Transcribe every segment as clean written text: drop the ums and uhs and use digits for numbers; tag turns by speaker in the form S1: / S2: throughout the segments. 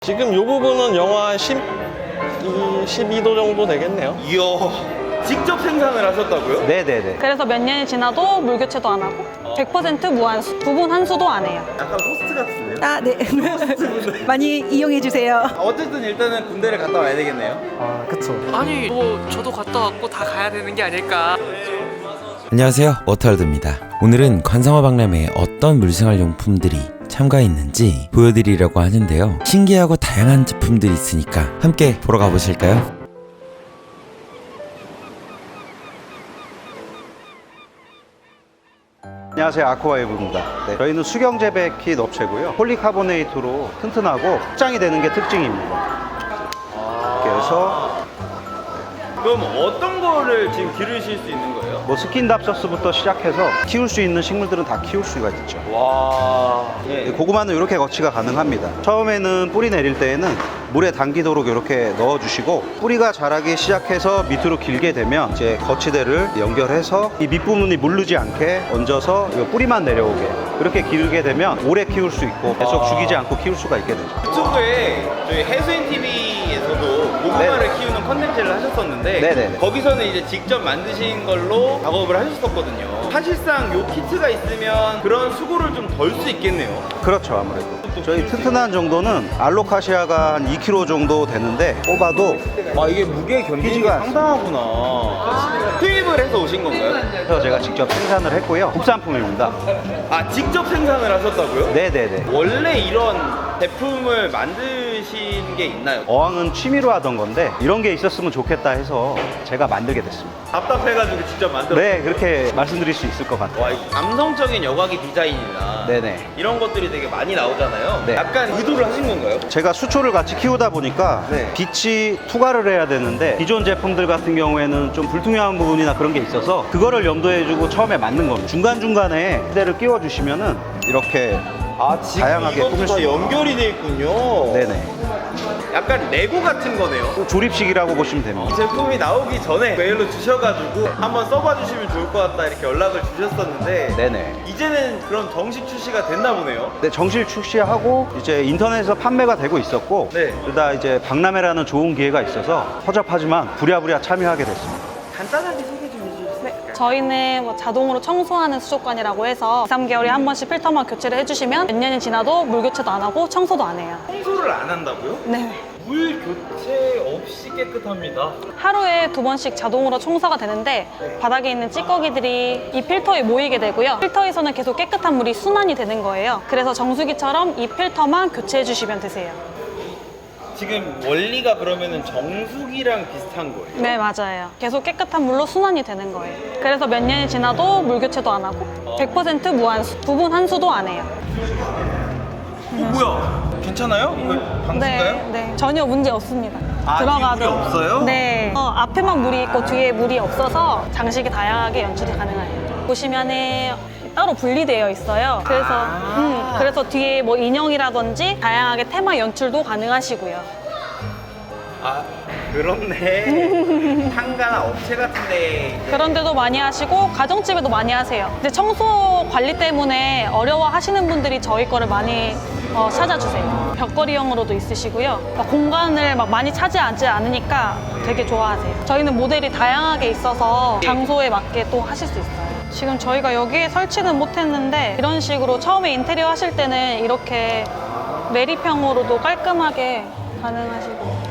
S1: 지금 이 부분은 영하 12도 정도 되겠네요.
S2: 이야, 직접 생산을 하셨다고요?
S3: 네네네.
S4: 그래서 몇 년이 지나도 물 교체도 안 하고 100% 무한수, 부분 한수도 안 해요.
S2: 약간 호스트 같은데요?
S5: 아, 네. 많이 이용해 주세요.
S2: 어쨌든 일단은 군대를 갔다 와야 되겠네요.
S3: 아, 그쵸.
S6: 아니 뭐 저도 갔다 왔고 다 가야 되는 게 아닐까.
S7: 안녕하세요, 워터월드입니다. 오늘은 관상어 박람회에 어떤 물생활 용품들이 참가해 있는지 보여드리려고 하는데요. 신기하고 다양한 제품들이 있으니까 함께 보러 가보실까요?
S3: 안녕하세요, 아쿠아웨이브입니다. 네, 저희는 수경 재배 킷 업체고요. 폴리카보네이트로 튼튼하고 확장이 되는 게 특징입니다. 그래서
S2: 그럼 어떤 거를 지금 기르실 수 있는 거예요?
S3: 뭐 스킨답서스부터 시작해서 키울 수 있는 식물들은 다 키울 수가 있죠.
S2: 와.
S3: 네, 고구마는 이렇게 거치가 가능합니다. 처음에는 뿌리 내릴 때에는 물에 담기도록 이렇게 넣어주시고, 뿌리가 자라기 시작해서 밑으로 길게 되면 이제 거치대를 연결해서 이 밑부분이 물르지 않게 얹어서 이 뿌리만 내려오게, 그렇게 기르게 되면 오래 키울 수 있고 계속 죽이지 않고 키울 수가 있게 되죠.
S2: 유튜브에 저희 해수인 TV에서도 고구마를
S3: 네네.
S2: 키우는 컨텐츠를 하셨었는데
S3: 네네네.
S2: 거기서는 이제 직접 만드신 걸로 작업을 하셨었거든요. 사실상 요 키트가 있으면 그런 수고를 좀 덜 수 있겠네요.
S3: 그렇죠, 아무래도. 저희 튼튼한 정도는 알로카시아가 한 2kg 정도 되는데 뽑아도
S2: 아, 이게 무게 견디는 게
S3: 피지가
S2: 상당하구나. 투입을 해서 오신 건가요?
S3: 그래서 제가 직접 생산을 했고요. 국산품입니다.
S2: 아, 직접 생산을 하셨다고요?
S3: 네네네.
S2: 원래 이런 제품을 만드신 게 있나요?
S3: 어항은 취미로 하던 건데 이런 게 있었으면 좋겠다 해서 제가 만들게 됐습니다.
S2: 답답해가지고 직접 만들었어요.
S3: 네, 그렇게 말씀드릴 수 있을 것 같아요.
S2: 와, 이 감성적인 여과기 디자인이나
S3: 네네.
S2: 이런 것들이 되게 많이 나오잖아요.
S3: 네.
S2: 약간 의도를 하신 건가요?
S3: 제가 수초를 같이 키우다 보니까
S2: 네.
S3: 빛이 투과를 해야 되는데 기존 제품들 같은 경우에는 좀 불투명한 부분이나 그런 게 있어서 그거를 염두해주고 처음에 만든 겁니다. 중간중간에 휴대를 끼워주시면은 이렇게
S2: 지금
S3: 다양하게
S2: 이것도
S3: 꾸밀 수
S2: 다
S3: 있어요.
S2: 연결이 돼 있군요.
S3: 네네.
S2: 약간 레고 같은 거네요.
S3: 조립식이라고 보시면
S2: 이
S3: 됩니다.
S2: 제품이 나오기 전에 메일로 주셔가지고 한번 써봐 주시면 좋을 것 같다 이렇게 연락을 주셨었는데
S3: 네네.
S2: 이제는 그럼 정식 출시가 됐나 보네요.
S3: 네, 정식 출시하고 이제 인터넷에서 판매가 되고 있었고,
S2: 네.
S3: 그러다 이제 박람회라는 좋은 기회가 있어서 허접하지만 부랴부랴 참여하게 됐습니다.
S2: 간단하게 소개 좀 해주세요.
S4: 네, 저희는 뭐 자동으로 청소하는 수족관이라고 해서 2, 3개월에 한 번씩 필터만 교체를 해주시면 몇 년이 지나도 물 교체도 안 하고 청소도 안 해요.
S2: 청소를 안 한다고요?
S4: 네.
S2: 물 교체 없이 깨끗합니다.
S4: 하루에 2번씩 자동으로 청소가 되는데 바닥에 있는 찌꺼기들이 이 필터에 모이게 되고요. 필터에서는 계속 깨끗한 물이 순환이 되는 거예요. 그래서 정수기처럼 이 필터만 교체해 주시면 되세요.
S2: 지금 원리가 그러면은 정수기랑 비슷한 거예요?
S4: 네, 맞아요. 계속 깨끗한 물로 순환이 되는 거예요. 그래서 몇 년이 지나도 물 교체도 안 하고 100% 무한수, 부분 한수도 안 해요.
S2: 뭐야? 괜찮아요? 이거 방수인가요?
S4: 네, 전혀 문제 없습니다.
S2: 아,
S4: 들어가도.
S2: 뒤에 물이 없어요?
S4: 네. 앞에만 물이 있고 뒤에 물이 없어서 장식이 다양하게 연출이 가능해요. 보시면은 따로 분리되어 있어요. 그래서 뒤에 뭐 인형이라든지 다양하게 테마 연출도 가능하시고요.
S2: 아, 그렇네. 상가나 업체 같은데
S4: 그런 데도 많이 하시고 가정집에도 많이 하세요. 근데 청소 관리 때문에 어려워하시는 분들이 저희 거를 많이 찾아주세요. 벽걸이형으로도 있으시고요. 공간을 막 많이 차지하지 않으니까 되게 좋아하세요. 저희는 모델이 다양하게 있어서 장소에 맞게 또 하실 수 있어요. 지금 저희가 여기에 설치는 못했는데 이런 식으로 처음에 인테리어 하실 때는 이렇게 내리평으로도 깔끔하게 가능하시고.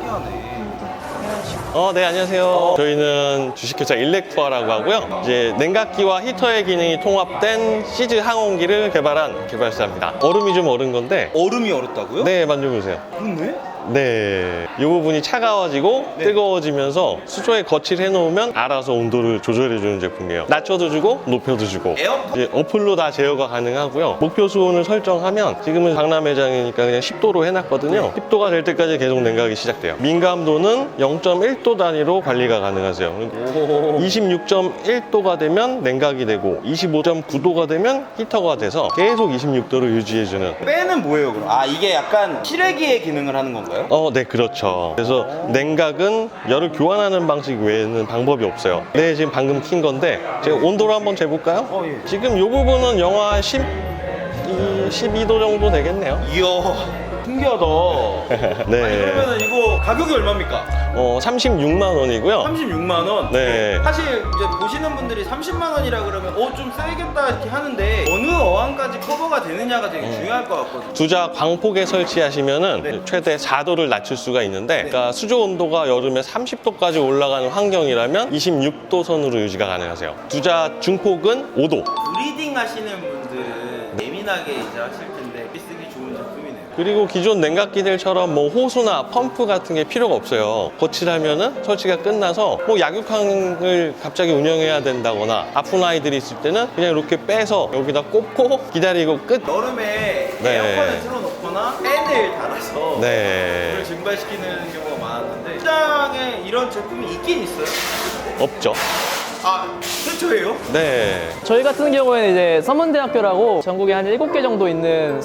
S1: 네, 안녕하세요. 저희는 주식회사 일렉투아라고 하고요. 이제 냉각기와 히터의 기능이 통합된 시즈 항온기를 개발한 개발사입니다. 얼음이 좀 얼은 건데,
S2: 얼음이 얼었다고요?
S1: 네, 만져보세요.
S2: 그렇네?
S1: 네, 이 부분이 차가워지고
S2: 네.
S1: 뜨거워지면서 수조에 거치를 해놓으면 알아서 온도를 조절해주는 제품이에요. 낮춰도 주고 높여도 주고.
S2: 에어컨?
S1: 이제 어플로 다 제어가 가능하고요. 목표 수온을 설정하면 지금은 박람회장이니까 그냥 10도로 해놨거든요. 10도가 될 때까지 계속 냉각이 시작돼요. 민감도는 0.1도 단위로 관리가 가능하세요. 26.1도가 되면 냉각이 되고 25.9도가 되면 히터가 돼서 계속 26도를 유지해주는.
S2: 빼는 뭐예요, 그럼? 아, 이게 약간 실외기의 기능을 하는 건가요?
S1: 네, 그렇죠. 그래서 냉각은 열을 교환하는 방식 외에는 방법이 없어요. 네, 지금 방금 킨 건데 제가 온도를 한번 재볼까요?
S2: 예.
S1: 지금 이 부분은 영하 12도 정도 되겠네요.
S2: 이야, 신기하다.
S1: 네.
S2: 아니 그러면은 이거 가격이 얼마입니까?
S1: 36만 원이고요.
S2: 36만 원.
S1: 네.
S2: 사실 이제 보시는 분들이 30만 원이라 그러면 좀 세겠다 이렇게 하는데 어느 어항까지 커버가 되느냐가 되게 중요할 것 같거든요.
S1: 두자 광폭에 설치하시면은
S2: 네.
S1: 최대 4도를 낮출 수가 있는데, 그러니까 수조 온도가 여름에 30도까지 올라가는 환경이라면 26도 선으로 유지가 가능하세요. 두자 중폭은 5도.
S2: 브리딩 하시는 분들은 예민하게 이제 하실 텐데 쓰기 좋은 제품이네요.
S1: 그리고 기존 냉각기들처럼 뭐 호수나 펌프 같은 게 필요가 없어요. 거칠하면은 설치가 끝나서 뭐 약육항을 갑자기 운영해야 된다거나 아픈 아이들이 있을 때는 그냥 이렇게 빼서 여기다 꽂고 기다리고 끝.
S2: 여름에
S1: 네.
S2: 에어컨을 틀어놓거나 팬을 달아서
S1: 네.
S2: 물을 증발시키는 경우가 많았는데 시장에 이런 제품이 있긴 있어요?
S1: 없죠.
S2: 아, 최초예요?
S1: 네.
S6: 저희 같은 경우에는 이제 서문대학교라고 전국에 한 7개 정도 있는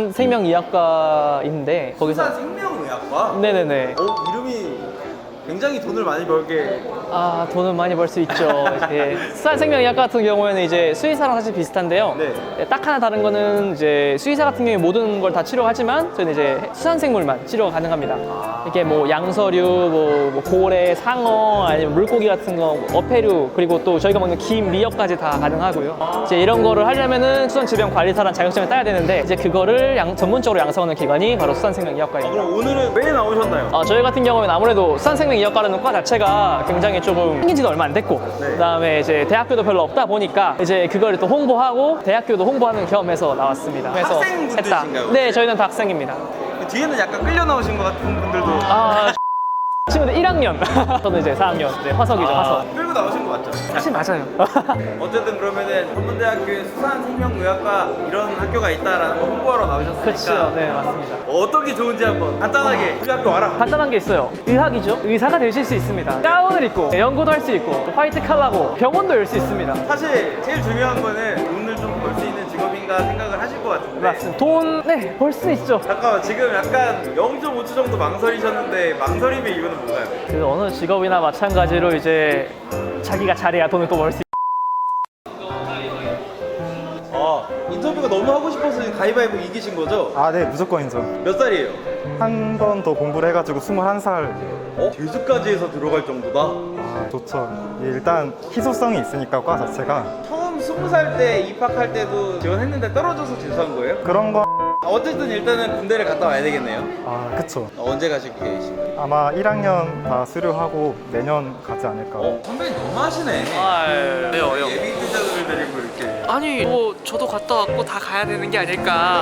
S6: 수산생명의학과인데 거기서
S2: 수산 생명의학과?
S6: 네네네.
S2: 이름이 굉장히 돈을 많이 벌게.
S6: 아, 돈은 많이 벌 수 있죠. 이제 수산생명의학과 같은 경우에는 이제 수의사랑 사실 비슷한데요.
S2: 네.
S6: 딱 하나 다른 거는 이제 수의사 같은 경우에 모든 걸 다 치료하지만 저희는 이제 수산생물만 치료가 가능합니다. 이렇게 뭐 양서류, 뭐 고래, 상어, 아니면 물고기 같은 거, 어패류, 그리고 또 저희가 먹는 김, 미역까지 다 가능하고요. 이제 이런 거를 하려면은 수산질병관리사라는 자격증을 따야 되는데 이제 그거를 전문적으로 양성하는 기관이 바로 수산생명의학과입니다.
S2: 그럼 오늘은 왜 나오셨나요?
S6: 저희 같은 경우에는 아무래도 수산생명의학과라는 과 자체가 굉장히 조금 생긴 지도 얼마 안 됐고 그다음에 이제 대학교도 별로 없다 보니까 이제 그걸 또 홍보하고 대학교도 홍보하는 겸해서 나왔습니다. 그래서
S2: 학생분들이신가요?
S6: 네, 저희는 다 학생입니다.
S2: 그 뒤에는 약간 끌려 나오신 것 같은 분들도
S6: 친구들 1학년 저는 이제 4학년 이제 화석이죠. 화석.
S2: 끌고 나오신 것 같죠?
S6: 사실 맞아요.
S2: 어쨌든 그러면은 전문대학교에 수산생명의학과 이런 학교가 있다라는 거 홍보하러 나오셨으니까
S6: 그렇죠. 네, 맞습니다.
S2: 어떤 게 좋은지 한번 간단하게 우리 학교 와라.
S6: 간단한 게 있어요. 의학이죠. 의사가 되실 수 있습니다. 가운을 입고 연구도 할 수 있고 화이트 칼라고 병원도 열 수 있습니다.
S2: 사실 제일 중요한 거는 돈을 좀 벌 수 있는 직업인가 생각을 하실 것 같은데
S6: 맞습니다. 돈, 네, 벌 수 있죠.
S2: 잠깐만 지금 약간 0.5초 정도 망설이셨는데 망설임의 이유는 뭔가요?
S6: 그 어느 직업이나 마찬가지로 이제 자기가 잘해야 돈을 또 벌 수
S2: 인터뷰가 너무 하고 싶어서 지금 가위바위보 이기신 거죠?
S8: 아, 네, 무조건이죠.
S2: 몇 살이에요?
S8: 한 번 더 공부를 해가지고 21살.
S2: 재수까지 해서 들어갈 정도다?
S8: 아, 좋죠. 일단 희소성이 있으니까 과 자체가
S2: 처음 20살 때 입학할 때도 지원했는데 떨어져서 재수한 거예요?
S8: 그런 거.
S2: 어쨌든 일단은 군대를 갔다 와야 되겠네요.
S8: 아, 그쵸.
S2: 언제 가실 계획이신가요?
S8: 아마 1학년 다 수료하고 내년 가지 않을까.
S2: 선배님 너무 하시네.
S6: 왜요?
S2: 예비 투자들을 데리고 이렇게.
S6: 아니 뭐 저도 갔다 왔고 다 가야 되는 게 아닐까.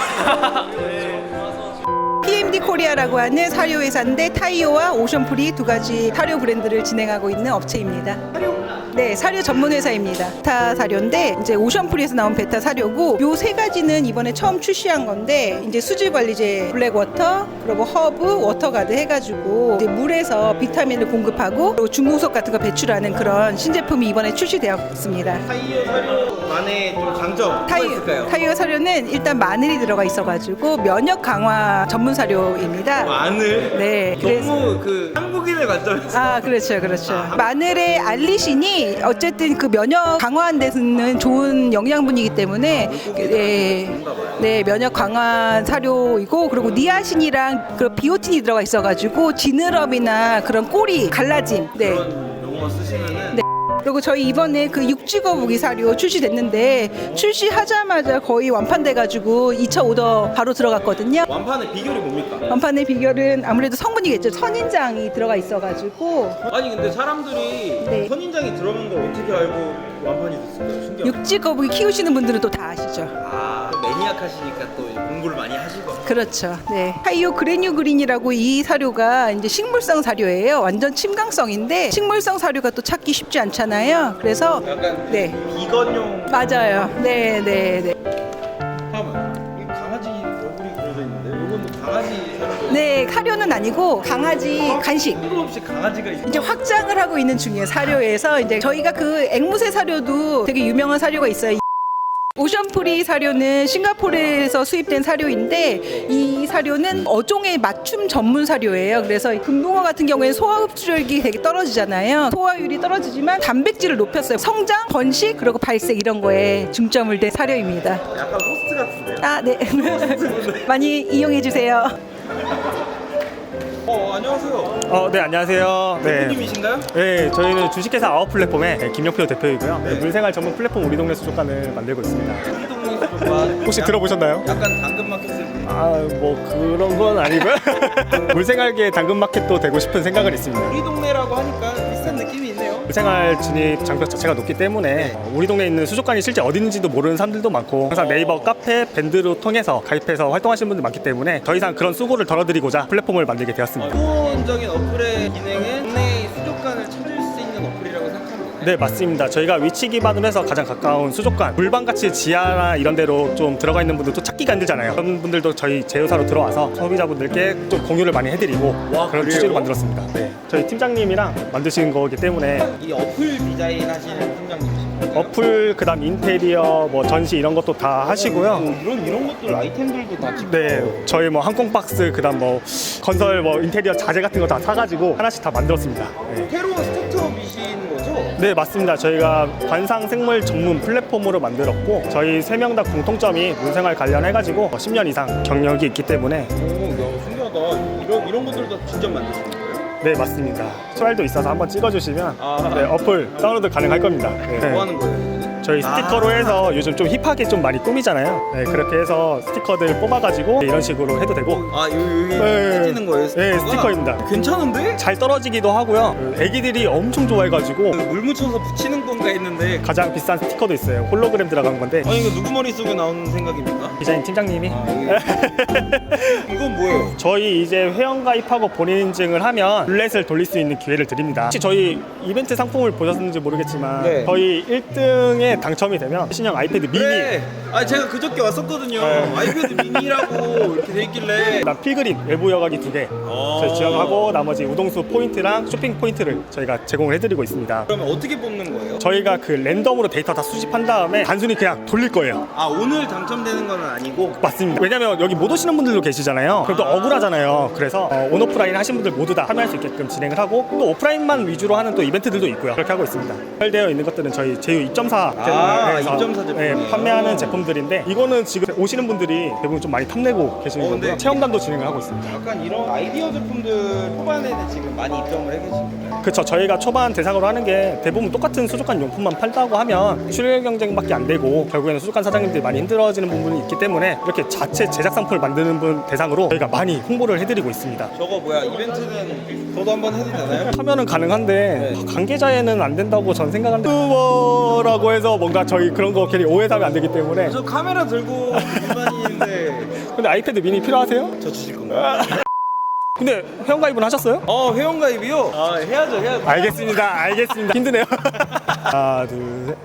S5: PMD 코리아라고 하는 사료 회사인데 타이오와 오션풀이 두 가지 사료 브랜드를 진행하고 있는 업체입니다. 네, 사료 전문 회사입니다. 베타 사료인데 이제 오션풀이에서 나온 베타 사료고 요 세 가지는 이번에 처음 출시한 건데 이제 수질 관리제 블랙워터 그리고 허브 워터가드 해가지고 이제 물에서 비타민을 공급하고 그리고 중금속 같은 거 배출하는 그런 신제품이 이번에 출시되었습니다.
S2: 타이어 사료만의 좀 강점 뭐가 있을까요?
S5: 타이어 사료는 일단 마늘이 들어가 있어가지고 면역 강화 전문 사료입니다.
S2: 마늘?
S5: 네, 그래서
S2: 너무 그 한국인의 관점에서
S5: 아, 그렇죠, 그렇죠. 마늘의 알리신이 어쨌든 그 면역 강화하는 데는 좋은 영양분이기 때문에 네, 면역 강화 사료이고 그리고 니아신이랑 그 비오틴이 들어가 있어가지고 지느러미나 그런 꼬리 갈라짐. 네.
S2: 그런 용어 쓰시면은
S5: 네. 그리고 저희 이번에 그 육지거북이 사료 출시됐는데 출시하자마자 거의 완판돼가지고 2차 오더 바로 들어갔거든요.
S2: 완판의 비결이 뭡니까?
S5: 완판의 비결은 아무래도 성분이겠죠. 선인장이 들어가 있어가지고
S2: 아니 근데 사람들이
S5: 네.
S2: 선인장이 들어간 걸 어떻게 알고 완판이 됐을까요? 신기하다.
S5: 육지거북이 키우시는 분들은 또 다 아시죠.
S2: 또 매니악하시니까 또 공부를 많이 하시고.
S5: 그렇죠. 네. 타이오 그레뉴 그린이라고 이 사료가 이제 식물성 사료예요. 완전 침강성인데 식물성 사료가 또 찾기 쉽지 않잖아요. 그래서
S2: 약간
S5: 네.
S2: 비건용.
S5: 맞아요. 네, 네, 네.
S2: 잠깐만. 이 강아지 얼굴이 그려져 있는데 이건 또 강아지 사료.
S5: 네, 사료는 아니고 강아지 간식.
S2: 뜬금없이 강아지가 있어.
S5: 이제 확장을 하고 있는 중이에요. 사료에서 이제 저희가 그 앵무새 사료도 되게 유명한 사료가 있어요. 오션프리 사료는 싱가포르에서 수입된 사료인데 이 사료는 어종의 맞춤 전문 사료예요. 그래서 금붕어 같은 경우에는 소화 흡수력이 되게 떨어지잖아요. 소화율이 떨어지지만 단백질을 높였어요. 성장, 번식, 그리고 발색 이런 거에 중점을 둔 사료입니다.
S2: 약간 호스트 같은데요?
S5: 아, 네. 많이 이용해 주세요.
S2: 안녕하세요.
S8: 네, 안녕하세요. 네.
S2: 대표님이신가요?
S8: 네, 저희는 주식회사 아웃 플랫폼의 김영표 대표이고요. 네, 물생활 전문 플랫폼 우리 동네 수족관을 만들고 있습니다.
S2: 우리 동네 수족관.
S8: 혹시 들어보셨나요?
S2: 약간 당근마켓을.
S8: 뭐 그런 건 아니고요. 물생활계 당근마켓도 되고 싶은 생각은 있습니다.
S2: 우리 동네라고 하니까 비슷한 느낌이 있네요.
S8: 물생활 진입 장벽 자체가 높기 때문에 우리 동네에 있는 수족관이 실제 어디 있는지도 모르는 사람들도 많고 항상 네이버, 카페, 밴드로 통해서 가입해서 활동하시는 분들 많기 때문에 더 이상 그런 수고를 덜어드리고자 플랫폼을 만들게 되었습니다.
S2: 기본적인 어플의 기능은 동네의 수족관을 찾을 수 있는 어플이라고 생각하면 되나요?
S8: 네, 맞습니다. 저희가 위치 기반으로 해서 가장 가까운 수족관, 물방같이 지하나 이런 데로 좀 들어가 있는 분들도 찾기가 힘들잖아요. 그런 분들도 저희 제휴사로 들어와서 소비자분들께 좀 공유를 많이 해드리고 그런
S2: 그래요?
S8: 취지로 만들었습니다. 네. 저희 팀장님이랑 만드신 거기 때문에
S2: 이 어플 디자인 하시는 팀장님이신가요?
S8: 어플, 그다음 인테리어, 뭐 전시 이런 것도 다 하시고요.
S2: 이런 것들 아이템들도 다 직접.
S8: 네, 저희 뭐 항공 박스, 그다음 뭐 건설, 뭐 인테리어 자재 같은 거 다 사가지고 하나씩 다 만들었습니다. 네.
S2: 새로운 스타트업이신 거죠?
S8: 네, 맞습니다. 저희가 관상 생물 전문 플랫폼으로 만들었고 저희 3명 다 공통점이 물생활 관련해가지고 10년 이상 경력이 있기 때문에
S2: 신기하다. 이런 것들도 직접 만드신 거예요?
S8: 네, 맞습니다. 수알도 있어서 한번 찍어주시면 네, 어플 다운로드 가능할 겁니다. 네.
S2: 뭐 하는 거예요?
S8: 저희 스티커로 해서 요즘 좀 힙하게 좀 많이 꾸미잖아요. 네, 그렇게 해서 스티커들 뽑아가지고 이런 식으로 해도 되고
S2: 여기
S8: 네.
S2: 떼지는 거예요?
S8: 네, 스티커입니다.
S2: 괜찮은데?
S8: 잘 떨어지기도 하고요. 애기들이 엄청 좋아해가지고
S2: 물 묻혀서 붙이는 건가 했는데.
S8: 가장 비싼 스티커도 있어요. 홀로그램 들어간 건데
S2: 이거 누구 머릿속에 나오는 생각입니까?
S8: 디자인 팀장님이
S2: 이건 뭐예요?
S8: 저희 이제 회원 가입하고 본인 인증을 하면 룰렛을 돌릴 수 있는 기회를 드립니다. 혹시 저희 이벤트 상품을 보셨는지 모르겠지만
S2: 네.
S8: 저희 1등에 당첨이 되면 신형 아이패드 미니,
S2: 네. 제가 그저께 왔었거든요.
S8: 네.
S2: 아이패드 미니라고 이렇게 돼 있길래.
S8: 그다음 필그림 외부 여과기 2개 저희 지원하고 나머지 우동수 포인트랑 쇼핑 포인트를 저희가 제공을 해드리고 있습니다.
S2: 그러면 어떻게 뽑는 거예요?
S8: 저희가 그 랜덤으로 데이터 다 수집한 다음에 단순히 그냥 돌릴 거예요.
S2: 오늘 당첨되는 건 아니고.
S8: 맞습니다. 왜냐면 여기 못 오시는 분들도 계시잖아요. 그럼 또 억울하잖아요. 그래서 온오프라인 하신 분들 모두 다 참여할 수 있게끔 진행을 하고 또 오프라인만 위주로 하는 또 이벤트들도 있고요. 그렇게 하고 있습니다. 발되어 있는 것들은 저희 제휴 입점사
S2: 입점사 제품이에요?
S8: 판매하는 제품들인데 이거는 지금 오시는 분들이 대부분 좀 많이 탐내고 계시는 거고요.
S2: 근데
S8: 체험단도 진행을 하고 있습니다.
S2: 약간 이런 아이디어 제품들 초반에는 지금 많이 입점을 해 계신 거예요?
S8: 그렇죠. 저희가 초반 대상으로 하는 게 대부분 똑같은 수족관 용품만 팔다고 하면 출혈 경쟁밖에 안 되고 결국에는 수족관 사장님들이 많이 힘들어지는 부분이 있기 때문에 이렇게 자체 제작 상품을 만드는 분 대상으로 저희가 많이 홍보를 해드리고 있습니다.
S2: 저거 이벤트는 저도 한번 해도 되나요?
S8: 참여는 가능한데 관계자에는 안 된다고 전 생각하는데 유튜버라고 해서 뭔가 저희 그런 거 괜히 오해하면 안 되기 때문에.
S2: 저 카메라 들고 다니는데.
S8: 근데 아이패드 미니 필요하세요?
S2: 저 주실 건가요?
S8: 근데 회원가입은 하셨어요?
S2: 회원가입이요? 해야죠.
S8: 알겠습니다. 힘드네요. 하나, 둘, 셋.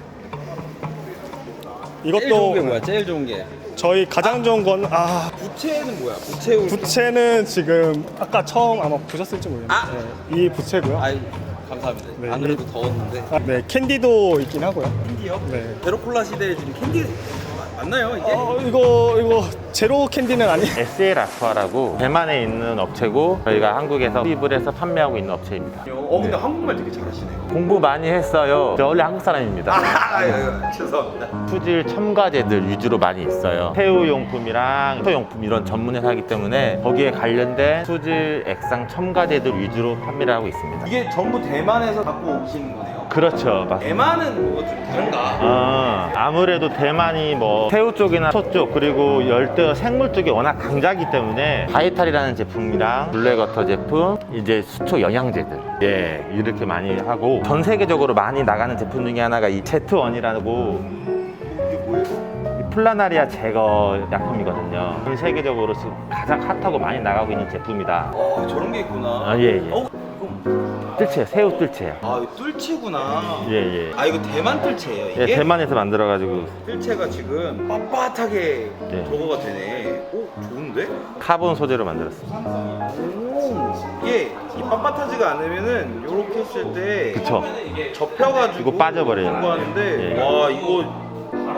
S8: 이것도
S2: 제일 좋은 게 뭐야? 제일 좋은 게.
S8: 저희 가장 좋은 건
S2: 부채는 뭐야?
S8: 부채는 지금 아까 처음 아마 보셨을지 모르겠는데 이 부채고요.
S2: 감사합니다.
S8: 네,
S2: 안 그래도 더웠는데.
S8: 네, 캔디도 있긴 하고요.
S2: 캔디요?
S8: 네.
S2: 제로콜라 시대에 지금 캔디 맞나요 이게?
S8: 이거 제로 캔디는 아니에요.
S9: SL 아쿠아라고 대만에 있는 업체고 저희가 한국에서 수입을 해서 판매하고 있는 업체입니다.
S2: 근데 한국말 되게 잘하시네요.
S9: 공부 많이 했어요. 저 원래 한국 사람입니다.
S2: 죄송합니다.
S9: 수질 첨가제들 위주로 많이 있어요. 새우용품이랑 소용품 이런 전문 회사이기 때문에 거기에 관련된 수질 액상 첨가제들 위주로 판매를 하고 있습니다.
S2: 이게 전부 대만에서 갖고 오시는 거네요.
S9: 그렇죠.
S2: 대만은 뭐가 좀 다른가?
S9: 아무래도 대만이 뭐 새우 쪽이나 소 쪽 그리고 열대 생물 쪽이 워낙 강자이기 때문에 바이탈이라는 제품이랑 블랙워터 제품 이제 수초 영양제들 이렇게 많이 하고 전 세계적으로 많이 나가는 제품 중에 하나가 이 제트원이라고
S2: 이게 뭐예요?
S9: 플라나리아 제거 약품이거든요. 전 세계적으로 지금 가장 핫하고 많이 나가고 있는 제품이다.
S2: 저런 게 있구나.
S9: 예.
S2: 이건
S9: 뜰채, 새우 뜰채요.
S2: 이거 뜰채구나.
S9: 예.
S2: 이거 대만 뜰채예요 이게?
S9: 예, 대만에서 만들어가지고
S2: 뜰채가 지금 빳빳하게
S9: 네.
S2: 저거가 되네. 좋은데?
S9: 카본 소재로 만들었습니다.
S2: 이게 이 빳빳하지가 않으면은 요렇게 했을 때
S9: 그쵸.
S2: 접혀가지고
S9: 이거 빠져버려요.
S2: 하는데
S9: 예.
S2: 와 이거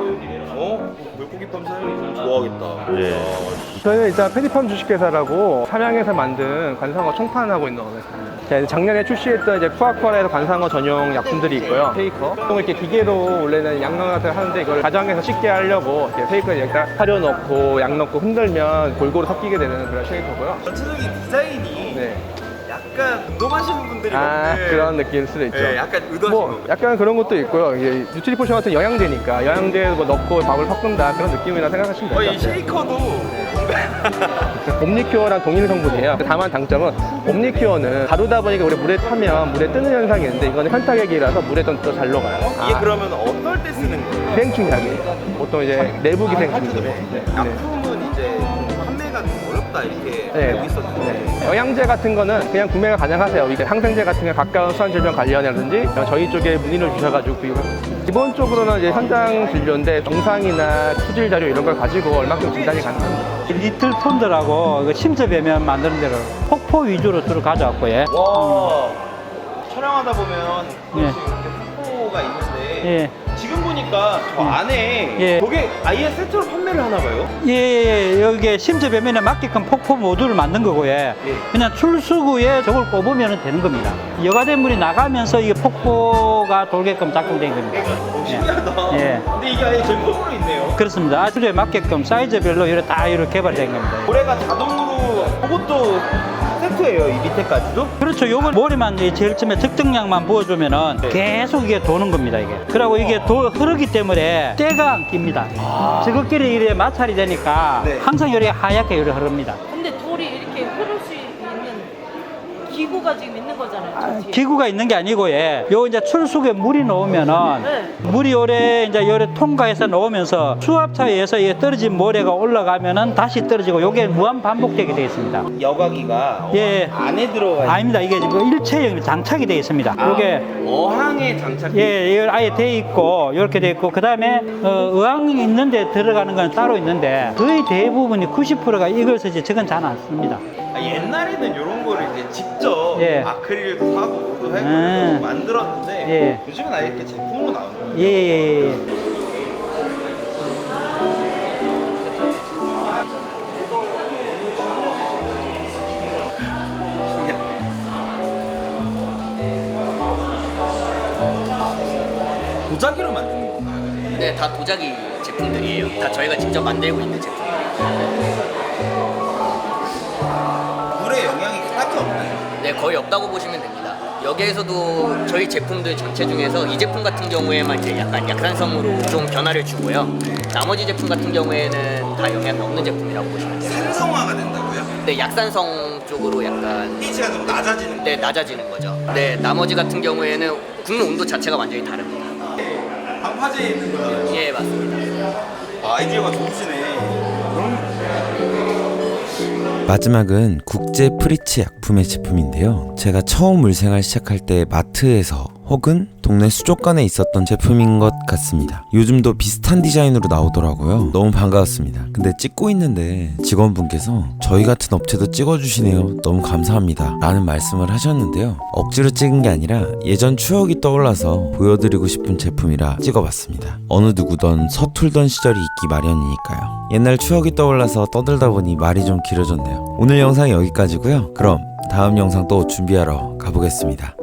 S2: 물고기팜 사장님 좋아하겠다.
S9: 예.
S8: 저희는 일단 페디팜 주식회사라고 삼양에서 만든 관상어 총판하고 있는 회사입니다. 작년에 출시했던 이제 푸아쿠아라에서 관상어 전용 약품들이 있고요. 페이커. 보통 이렇게 기계로 원래는 양념 같은 걸 하는데 이걸 가정에서 쉽게 하려고 이렇게 페이커에 여기다 사료 넣고 양 넣고 흔들면 골고루 섞이게 되는 그런 쉐이커고요.
S2: 전체적인 디자인이
S8: 네.
S2: 약간 운동하시는 분들이 먹는
S8: 그런 느낌일 수도 있죠.
S2: 네, 약간 의도하신
S8: 뭐
S2: 거죠.
S8: 약간 그런 것도 있고요. 이게 뉴트리 포션 같은 영양제니까 영양제 뭐 넣고 밥을 섞는다 그런 느낌이라 생각하시면 될 것
S2: 이
S8: 같아요.
S2: 쉐이커도
S8: 옴니큐어랑 동일 성분이에요. 다만 장점은 옴니큐어는 가루다 보니까 우리 물에 타면 물에 뜨는 현상이 있는데 이거는 현타액이라서 물에 좀 더 잘 녹아요.
S2: 이게 그러면 어떨 때 쓰는 거예요?
S8: 기생충약이에요. 보통 이제 내부 기생충이죠. 네.
S2: 약품은 이제 판매가 좀 어렵다 이렇게
S8: 네.
S2: 알고 있었는데
S8: 영양제 같은 거는 그냥 구매가 가능하세요. 이게 항생제 같은 게 가까운 수환질병 관련이라든지 저희 쪽에 문의를 주셔가지고 구입을 기본적으로는 이제 현장 진료인데 정상이나 수질 자료 이런 걸 가지고 얼마큼 진단이 가능합니다.
S10: 리틀 톤드라고 침습에면 만드는 대로 폭포 위주로 주로 가져왔고 예.
S2: 와 촬영하다 보면
S10: 예.
S2: 가끔씩 이렇게 폭포가 있는데
S10: 예.
S2: 지금 보니까 저 안에
S10: 예.
S2: 저게 아예 세트로 판매를 하나 봐요?
S10: 예, 여기에 침습에면에 맞게끔 폭포 모듈을 만든 거고 예. 그냥 출수구에 저걸 꼽으면 되는 겁니다. 여과된 물이 나가면서 이게 폭포가 돌게끔 작동된 겁니다.
S2: 신기하다.
S10: 예.
S2: 근데 이게 아예 제품으로 있네요.
S10: 그렇습니다. 아주에 맞게끔 사이즈별로 이렇게 다 이렇게 개발된 겁니다.
S2: 모래가 자동으로 그것도 세트예요, 이 밑에까지도?
S10: 그렇죠. 요걸 모래만 제일 처음에 특정량만 부어주면은 계속 이게 도는 겁니다, 이게. 그리고 이게 흐르기 때문에 때가 안 낍니다. 저것끼리 이래 마찰이 되니까
S2: 네.
S10: 항상 이렇게 하얗게 이렇게 흐릅니다.
S4: 근데 돌이 이렇게 흐를 수 있는 기구가 지금 있는 거잖아요. 저 뒤에.
S10: 기구가 있는 게 아니고, 예. 요 이제 출수구에 물이 넣으면은
S4: 네.
S10: 물이 요래 이제 요래 통과해서 넣으면서 수압차에 의해서 이게 떨어진 모래가 올라가면은 다시 떨어지고 요게 무한 반복되게 되어 있습니다.
S2: 여과기가
S10: 예.
S2: 안에 들어가 있는
S10: 아닙니다. 이게 지금 일체형 장착이 되어 있습니다. 요게
S2: 어항에 장착.
S10: 예, 이걸 아예 돼 있고 이렇게 돼 있고 그다음에 의왕이 있는데 들어가는 건 따로 있는데 거의 대부분이 90%가 이것을 이제 적은 잘 안 씁니다.
S2: 옛날에는 이런 거를 이제 직접
S10: 예.
S2: 아크릴도 사고 또 해서 만들었는데
S10: 예.
S2: 요즘은 아예 이렇게 제품으로 나오는 거예요.
S10: 예.
S2: 도자기로 만드는 건가요?
S11: 네, 다 도자기 제품들이에요. 다 저희가 직접 만들고 있는 제품이에요.
S2: 물에 영향이 딱히 없나요?
S11: 네, 거의 없다고 보시면 됩니다. 여기에서도 저희 제품들 전체 중에서 이 제품 같은 경우에만 이제 약간 약산성으로 좀 변화를 주고요. 나머지 제품 같은 경우에는 다 영향이 없는 제품이라고 보시면 돼요.
S2: 산성화가 된다고요?
S11: 네, 약산성 쪽으로 약간
S2: pH가 좀 낮아지는
S11: 네, 낮아지는 거죠. 네, 나머지 같은 경우에는 굽는 온도 자체가 완전히 다릅니다.
S2: 방파제에 있는 거예요?
S11: 예, 맞습니다.
S2: 아이디어가 좋으시네.
S7: 마지막은 국제 프리츠 약품의 제품인데요. 제가 처음 물생활 시작할 때 마트에서 혹은 동네 수족관에 있었던 제품인 것 같습니다. 요즘도 비슷한 디자인으로 나오더라고요. 너무 반가웠습니다. 근데 찍고 있는데 직원분께서 저희 같은 업체도 찍어주시네요. 너무 감사합니다. 라는 말씀을 하셨는데요. 억지로 찍은 게 아니라 예전 추억이 떠올라서 보여드리고 싶은 제품이라 찍어봤습니다. 어느 누구던 서툴던 시절이 있기 마련이니까요. 옛날 추억이 떠올라서 떠들다 보니 말이 좀 길어졌네요. 오늘 영상 여기까지고요. 그럼 다음 영상 또 준비하러 가보겠습니다.